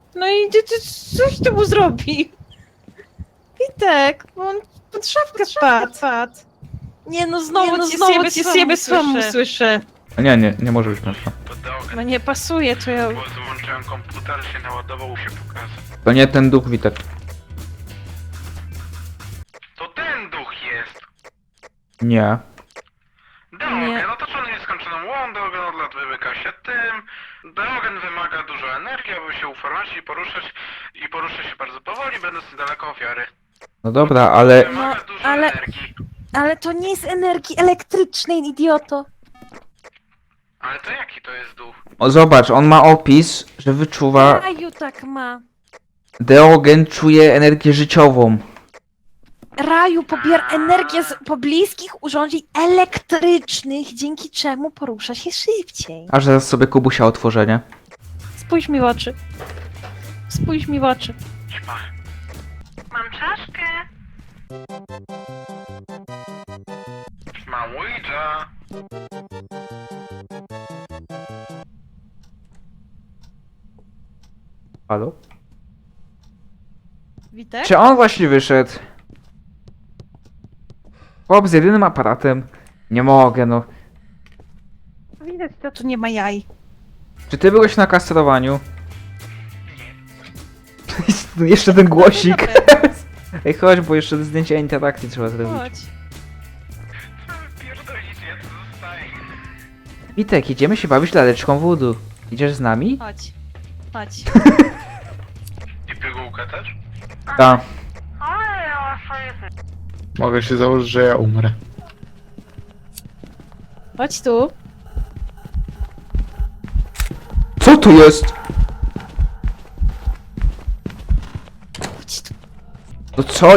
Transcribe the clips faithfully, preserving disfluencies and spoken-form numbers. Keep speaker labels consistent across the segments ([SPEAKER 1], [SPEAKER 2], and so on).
[SPEAKER 1] No i ty, ty coś ty mu zrobi. Witek, bo on pod szafkę wpadł. Nie no, znowu
[SPEAKER 2] Nie, no,
[SPEAKER 1] cię
[SPEAKER 2] znowu
[SPEAKER 1] znowu
[SPEAKER 2] cię
[SPEAKER 1] cię
[SPEAKER 2] słabo
[SPEAKER 1] słabo
[SPEAKER 2] słyszę.
[SPEAKER 1] słyszę.
[SPEAKER 3] A nie, nie, nie może być mężczyzna.
[SPEAKER 1] No nie pasuje, to ja...
[SPEAKER 4] Bo złączyłem komputer, się naładował, się pokazał.
[SPEAKER 3] To nie ten duch, Witek.
[SPEAKER 4] To ten duch jest!
[SPEAKER 3] Nie.
[SPEAKER 4] Deogen,
[SPEAKER 1] Nie.
[SPEAKER 4] otoczony nieskończoną łą, Deogen od lat wymyka się tym. Deogen wymaga dużo energii, aby się uformować i poruszać, i porusza się bardzo powoli, będąc niedaleko ofiary.
[SPEAKER 3] No dobra, ale...
[SPEAKER 4] Wymaga dużo
[SPEAKER 1] ale-
[SPEAKER 4] energii.
[SPEAKER 1] Ale to nie jest energii elektrycznej, idioto.
[SPEAKER 4] Ale to jaki to jest duch?
[SPEAKER 3] O, zobacz, on ma opis, że wyczuwa...
[SPEAKER 1] Raju tak ma.
[SPEAKER 3] Deogen czuje energię życiową.
[SPEAKER 1] Raju pobiera energię z pobliskich urządzeń elektrycznych, dzięki czemu porusza się szybciej.
[SPEAKER 3] Aż zaraz sobie Kubusia otworzę, nie?
[SPEAKER 1] Spójrz mi w oczy. Spójrz mi w oczy.
[SPEAKER 4] Ćma.
[SPEAKER 2] Mam czaszkę.
[SPEAKER 4] Ćma Ouija.
[SPEAKER 3] Halo?
[SPEAKER 1] Witek?
[SPEAKER 3] Czy on właśnie wyszedł? Chłop z jedynym aparatem. Nie mogę, no.
[SPEAKER 1] Widać, to tu nie ma jaj.
[SPEAKER 3] Czy ty byłeś na kastrowaniu? No jeszcze ten głosik. Ej, chodź, bo jeszcze zdjęcie interakcji trzeba zrobić.
[SPEAKER 1] Chodź.
[SPEAKER 4] Co wy pierdolicie, ja tu zostaję.
[SPEAKER 3] Witek, idziemy się bawić laleczką wódu. Idziesz z nami?
[SPEAKER 1] Chodź. Chodź.
[SPEAKER 4] I pigułkę też?
[SPEAKER 3] Tak.
[SPEAKER 2] Ale ja sobie...
[SPEAKER 5] Mogę się założyć, że ja umrę.
[SPEAKER 1] Chodź tu.
[SPEAKER 3] Co tu jest?
[SPEAKER 1] Chodź tu.
[SPEAKER 3] No co?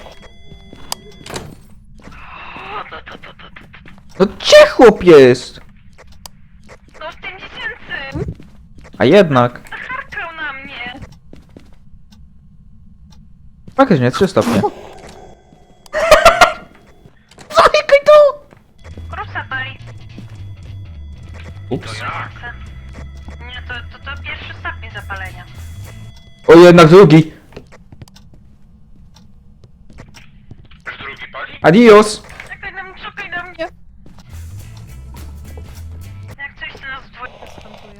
[SPEAKER 3] No gdzie chłop jest?
[SPEAKER 2] No w tym dziecięcy!
[SPEAKER 3] A jednak.
[SPEAKER 2] Harkał na mnie!
[SPEAKER 3] Faktycznie, trzy stopnie.
[SPEAKER 2] Krusa pali.
[SPEAKER 3] Ups.
[SPEAKER 4] To jak?
[SPEAKER 2] Nie, to, to, to pierwszy stopień zapalenia.
[SPEAKER 3] O, jednak drugi.
[SPEAKER 4] Już drugi pali?
[SPEAKER 3] Adios.
[SPEAKER 2] Czekaj na mnie, czekaj na mnie! Jak coś to nas dwoje występuje.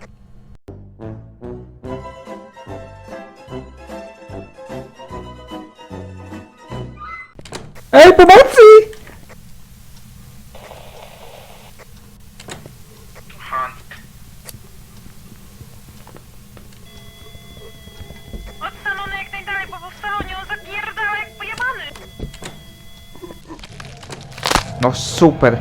[SPEAKER 3] Ej, pomocy!
[SPEAKER 4] Hunt.
[SPEAKER 2] Od salonu jak najdalej, bo w salonie on zapierdala jak pojebany!
[SPEAKER 3] No super.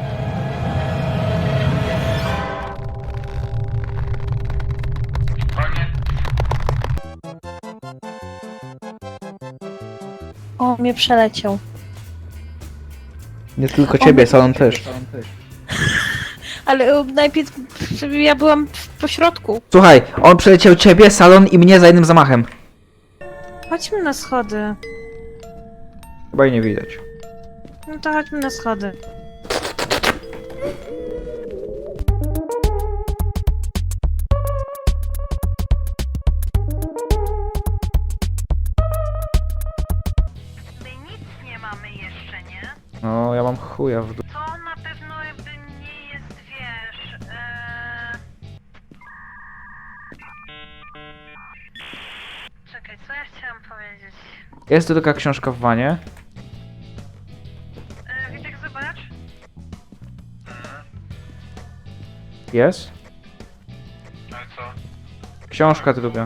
[SPEAKER 4] Koniec.
[SPEAKER 1] O, mnie przeleciał.
[SPEAKER 3] Nie tylko ciebie, salon też.
[SPEAKER 1] Ale e, najpierw ja byłam w pośrodku.
[SPEAKER 3] Słuchaj, on przeleciał ciebie, salon i mnie za jednym zamachem.
[SPEAKER 1] Chodźmy na schody.
[SPEAKER 3] Chyba jej nie widać.
[SPEAKER 1] No to chodźmy na schody.
[SPEAKER 2] My nic nie mamy jeszcze, nie?
[SPEAKER 3] No, ja mam chuja w dół.
[SPEAKER 2] To na pewno jakby nie jest, wiesz... Ee... Czekaj, co ja chciałam powiedzieć?
[SPEAKER 3] Jest tu taka książka w wanie.
[SPEAKER 2] E, Witek, zobacz.
[SPEAKER 3] Jest?
[SPEAKER 4] Ale co?
[SPEAKER 3] Książka druga.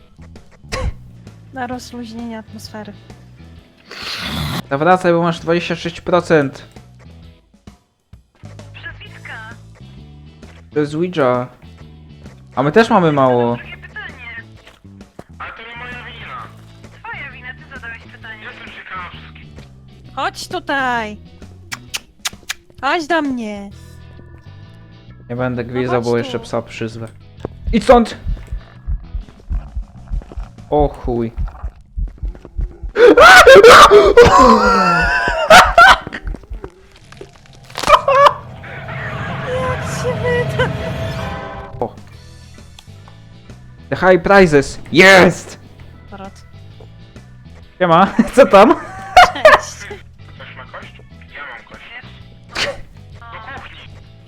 [SPEAKER 1] Na rozluźnienie atmosfery.
[SPEAKER 3] Zawracaj, bo masz dwadzieścia sześć procent.
[SPEAKER 2] Przez Witka.
[SPEAKER 3] To jest Ouija. A my też mamy mało.
[SPEAKER 2] Drugie pytanie.
[SPEAKER 4] Ale to nie moja wina.
[SPEAKER 2] Twoja wina, ty zadałeś pytanie.
[SPEAKER 4] Jestem ciekawski.
[SPEAKER 1] Chodź tutaj. Chodź do mnie.
[SPEAKER 3] Nie będę gwizdał,
[SPEAKER 1] chodź
[SPEAKER 3] bo
[SPEAKER 1] tu.
[SPEAKER 3] jeszcze psa przyzwę. Idź stąd! O chuj.
[SPEAKER 1] Jak się wyda?
[SPEAKER 3] O. The high prizes! Jest! Siema, co tam?
[SPEAKER 1] Cześć.
[SPEAKER 4] Ktoś ma kość? Ja mam kość.
[SPEAKER 2] Wiesz?
[SPEAKER 4] Do kuchni.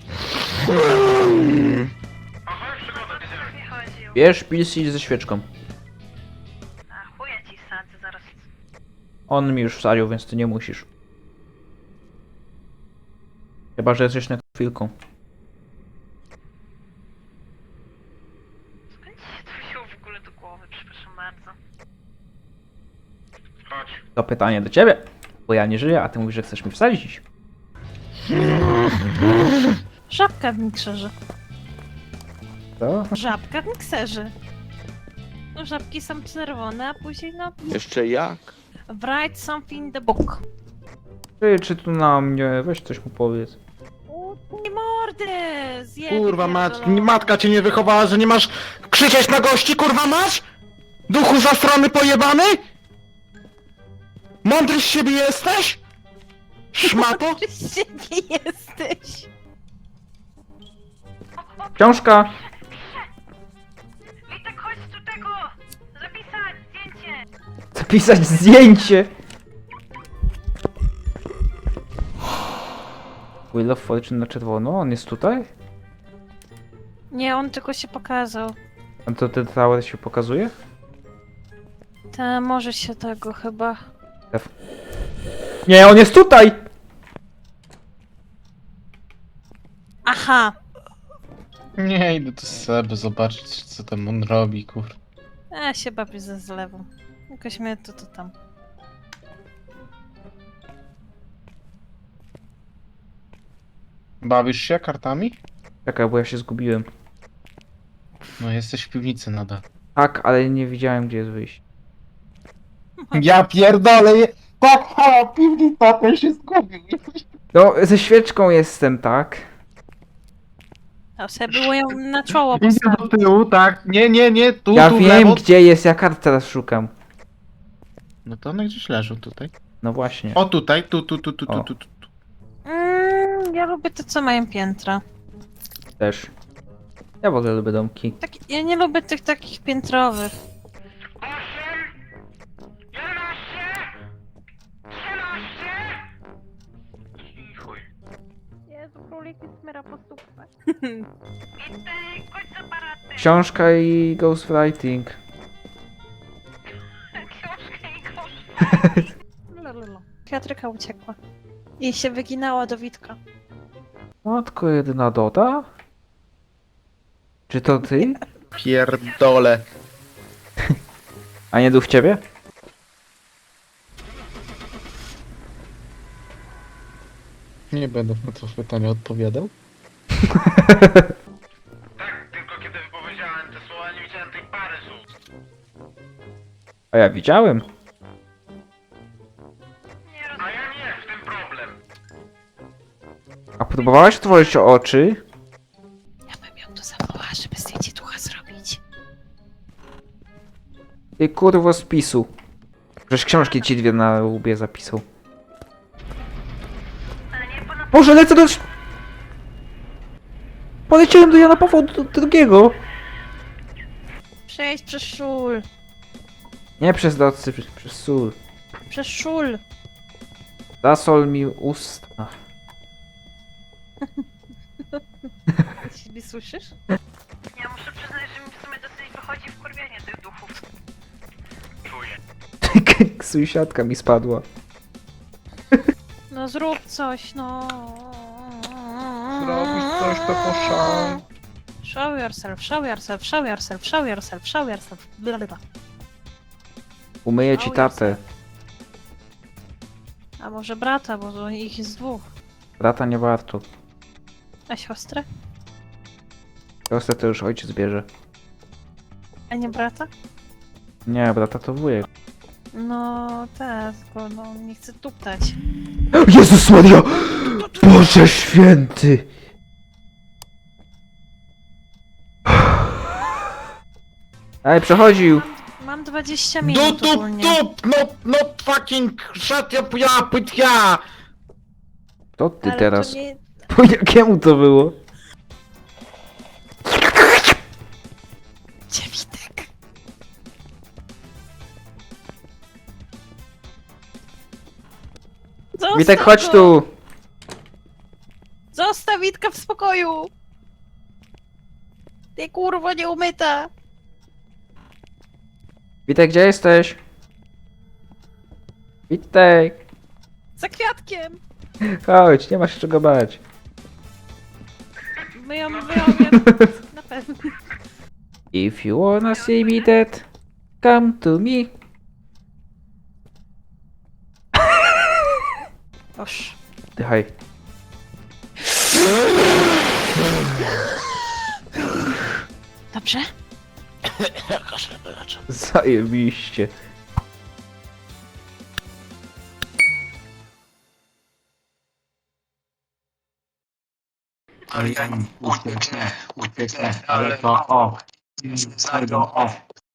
[SPEAKER 4] Aha, przygoda, wiedziałem.
[SPEAKER 2] Nie chodził.
[SPEAKER 3] Bierz pilsi ze świeczką.
[SPEAKER 2] A chuja ci sadzę zaraz.
[SPEAKER 3] On mi już wsadził, więc ty nie musisz. Chyba, że jesteś na chwilką.
[SPEAKER 2] Skąd ci się to wziął w ogóle do głowy? Przepraszam bardzo.
[SPEAKER 4] Chodź.
[SPEAKER 3] To pytanie do ciebie. Bo ja nie żyję, a ty mówisz, że chcesz mi wsadzić.
[SPEAKER 1] Żabka w mikserze.
[SPEAKER 3] Co?
[SPEAKER 1] Żabka w mikserze. No żabki są czerwone, a później no...
[SPEAKER 5] Jeszcze jak?
[SPEAKER 1] Write something in the book.
[SPEAKER 3] Ty, czy tu na mnie? Weź coś mu powiedz.
[SPEAKER 1] Nie mordy! Zjebie
[SPEAKER 5] Kurwa, mat,
[SPEAKER 1] pierdolone.
[SPEAKER 5] matka cię nie wychowała, że nie masz krzyczeć na gości, kurwa masz? Duchu zastrony pojebany? Mądry z siebie jesteś? Szmato?
[SPEAKER 1] Ty z siebie jesteś!
[SPEAKER 3] Książka!
[SPEAKER 2] Witek, chodź tu tego! Zapisać zdjęcie!
[SPEAKER 3] Zapisać zdjęcie! Wheel of Fortune na czerwono? On jest tutaj?
[SPEAKER 1] Nie, on tylko się pokazał.
[SPEAKER 3] A to ten tower się pokazuje?
[SPEAKER 1] Ta może się tego chyba.
[SPEAKER 3] Nie, on jest tutaj!
[SPEAKER 1] Aha!
[SPEAKER 5] Nie, idę do Seby zobaczyć, co tam on robi, kurwa.
[SPEAKER 1] Ja się bawię ze zlewą. Jakoś mnie to to tam.
[SPEAKER 5] Bawisz się kartami?
[SPEAKER 3] Czekaj, bo ja się zgubiłem.
[SPEAKER 5] No, jesteś w piwnicy nadal.
[SPEAKER 3] Tak, ale nie widziałem, gdzie jest wyjście.
[SPEAKER 5] Ja pierdolę, je... tak, ha, piwnica, ten się zgubił.
[SPEAKER 3] No, ze świeczką jestem, tak?
[SPEAKER 1] A sobie było ją na czoło
[SPEAKER 5] Idę do
[SPEAKER 1] postawić.
[SPEAKER 5] tyłu, tak, nie, nie, nie, tu,
[SPEAKER 3] Ja
[SPEAKER 5] tu, w
[SPEAKER 3] wiem,
[SPEAKER 5] lewo.
[SPEAKER 3] gdzie jest, ja kart teraz szukam.
[SPEAKER 5] No to one gdzieś leżą tutaj.
[SPEAKER 3] No właśnie.
[SPEAKER 5] O, tutaj, tu, tu, tu, tu, tu,
[SPEAKER 3] O.
[SPEAKER 5] tu, tu. tu.
[SPEAKER 1] Mm, ja lubię te, co mają piętra.
[SPEAKER 3] Też. Ja w ogóle lubię domki.
[SPEAKER 1] Tak, ja nie lubię tych takich piętrowych.
[SPEAKER 4] Osiem! Jedenaście! Trzynaście! I chuj.
[SPEAKER 1] Jezu, króliki smyra po stópach.
[SPEAKER 2] Witek, chodź z aparatem!
[SPEAKER 3] Książka i ghostwriting.
[SPEAKER 2] Książkę i kosz.
[SPEAKER 1] Piotryka uciekła. I się wyginała do Witka.
[SPEAKER 3] Matko jedyna Doda? Czy to ty?
[SPEAKER 5] Pierdolę.
[SPEAKER 3] A nie duch ciebie?
[SPEAKER 5] Nie będę na to pytanie odpowiadał.
[SPEAKER 4] Tak, tylko kiedy wypowiedziałem te słowa, nie widziałem tej pary słów.
[SPEAKER 3] A ja widziałem.
[SPEAKER 2] Nie
[SPEAKER 4] A
[SPEAKER 2] rozumiem.
[SPEAKER 4] ja nie, w tym problem.
[SPEAKER 3] A próbowałaś otworzyć oczy?
[SPEAKER 1] Ja bym ją tu zawołała, żeby zdjęcie ducha zrobić.
[SPEAKER 3] Ty kurwo z pisu. Przecież książki ci dwie na łbie zapisał.
[SPEAKER 2] Ale nie, bo na
[SPEAKER 3] Boże, lecę do... Poleciałem do Jana Pawła drugiego.
[SPEAKER 1] Przejdź przez szul.
[SPEAKER 3] Nie przez docy, przez, przez sól.
[SPEAKER 1] Przez szul.
[SPEAKER 3] Zasol mi usta.
[SPEAKER 1] Siebie słyszysz?
[SPEAKER 2] Ja muszę przyznać, że mi w sumie dosyć wychodzi wkurwianie tych duchów.
[SPEAKER 4] Czuję.
[SPEAKER 3] Sąsiadka mi spadła.
[SPEAKER 1] No zrób coś, no.
[SPEAKER 5] Zrobisz coś, to poszał.
[SPEAKER 1] Show yourself, show yourself, show yourself, show yourself, show yourself. Blablabla.
[SPEAKER 3] Umyję ci
[SPEAKER 1] Oh,
[SPEAKER 3] tatę.
[SPEAKER 1] A może brata, bo to ich jest dwóch.
[SPEAKER 3] Brata nie warto.
[SPEAKER 1] A siostrę?
[SPEAKER 3] Siostrę to już ojciec bierze.
[SPEAKER 1] A nie brata?
[SPEAKER 3] Nie, brata to wujek.
[SPEAKER 1] No tak, tylko no nie chcę tuptać.
[SPEAKER 3] Jezus Maria! Boże święty! Ej, przechodził!
[SPEAKER 1] Mam dwadzieścia
[SPEAKER 5] Du,
[SPEAKER 1] minut
[SPEAKER 5] du,
[SPEAKER 1] ogólnie.
[SPEAKER 5] du, no, no fucking shut up, ja, pyt, ja!
[SPEAKER 3] To ty
[SPEAKER 1] Ale
[SPEAKER 3] teraz.
[SPEAKER 1] To nie...
[SPEAKER 3] Po jakiemu to było?
[SPEAKER 1] Gdzie Witek? Zostaw
[SPEAKER 3] Witek, chodź
[SPEAKER 1] go!
[SPEAKER 3] tu!
[SPEAKER 1] Zostaw Witka w spokoju! Ty kurwo nieumyta!
[SPEAKER 3] Witek, gdzie jesteś? Witek!
[SPEAKER 1] Za kwiatkiem!
[SPEAKER 3] Chodź, nie masz się czego bać.
[SPEAKER 1] Myją, myją, myją. Na pewno.
[SPEAKER 3] If you wanna see me dead, come to me.
[SPEAKER 1] Oż.
[SPEAKER 3] Dychaj.
[SPEAKER 1] Dobrze?
[SPEAKER 3] Zajebiście.
[SPEAKER 5] Arian, ucieknę, ucieknę, ale to o, z tego o.